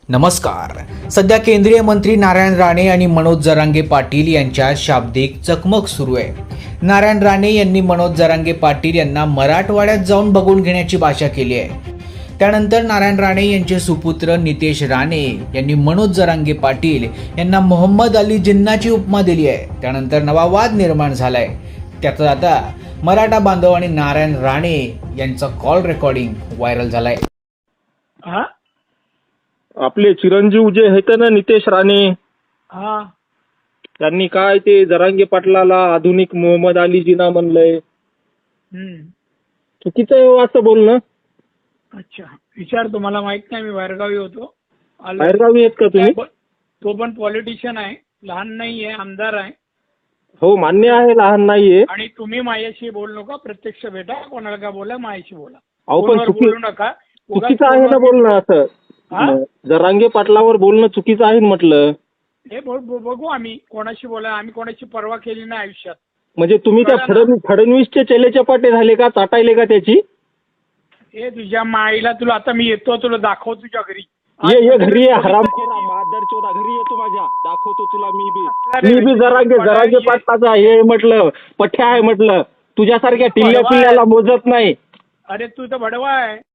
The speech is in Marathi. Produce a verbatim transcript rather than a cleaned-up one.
नमस्कार. सध्या केंद्रीय मंत्री नारायण राणे आणि मनोज जरांगे पाटील यांच्यात शाब्दिक चकमक सुरू आहे. नारायण राणे यांनी मनोज जरांगे पाटील यांना मराठवाड्यात जाऊन बघून घेण्याची भाषा केली आहे. त्यानंतर नारायण राणे यांचे सुपुत्र नितेश राणे यांनी मनोज जरांगे पाटील यांना मोहम्मद अली जिन्नाची उपमा दिली आहे. त्यानंतर नवा वाद निर्माण झालाय. त्यातच आता मराठा बांधव आणि नारायण राणे यांचा कॉल रेकॉर्डिंग व्हायरल झालाय. हा आपले चिरंजीव जे आहेत ना नितेश राणे, हा त्यांनी काय ते जरांगे पाटलाला आधुनिक मोहम्मद अली जिना म्हणलंय. हम्म चुकीचं आहे हो असं बोलणं. अच्छा, विचार तुम्हाला माहित नाही, मी बाहेरगावी होतो. आलो. बाहेरगावी आहेत का तुम्ही? तो पण पॉलिटिशियन आहे, लहान नाही आहे, आमदार आहे. हो मान्य आहे, लहान नाहीये. आणि तुम्ही माझ्याशी बोलू नका, प्रत्यक्ष भेटा, कोणाला का बोला, माझ्याशी बोला. अहो पण फोनवर चुकी बोलू नका. चुकीचं आहे ना बोलणं असं. हा? जरांगे पाटलावर बोलणं चुकीचं आहे ना म्हटलं. हे ब- ब- बघू आम्ही कोणाशी बोला. आम्ही कोणाची पर्वा केली नाही आयुष्यात. म्हणजे तुम्ही त्या कळलं ना? फडणवीस फडणवीसचे चेले चपाटे झाले का? चाटायले का त्याची? हे तुझ्या माईला, तुला आता मी येतो, तुला दाखव तुझ्या घरी. ये ये घरी ये हरामखोरा मादरचोदा, घरी येतो माझ्या, दाखवतो तुला मी बी मी बी जरांगे जरांगे पाटलाचा हे म्हटलं पठ्या आहे म्हटलं. तुझ्यासारख्या टिल्ल्या पिल्ल्याला मोजत नाही. अरे तू तर भडवा आहे.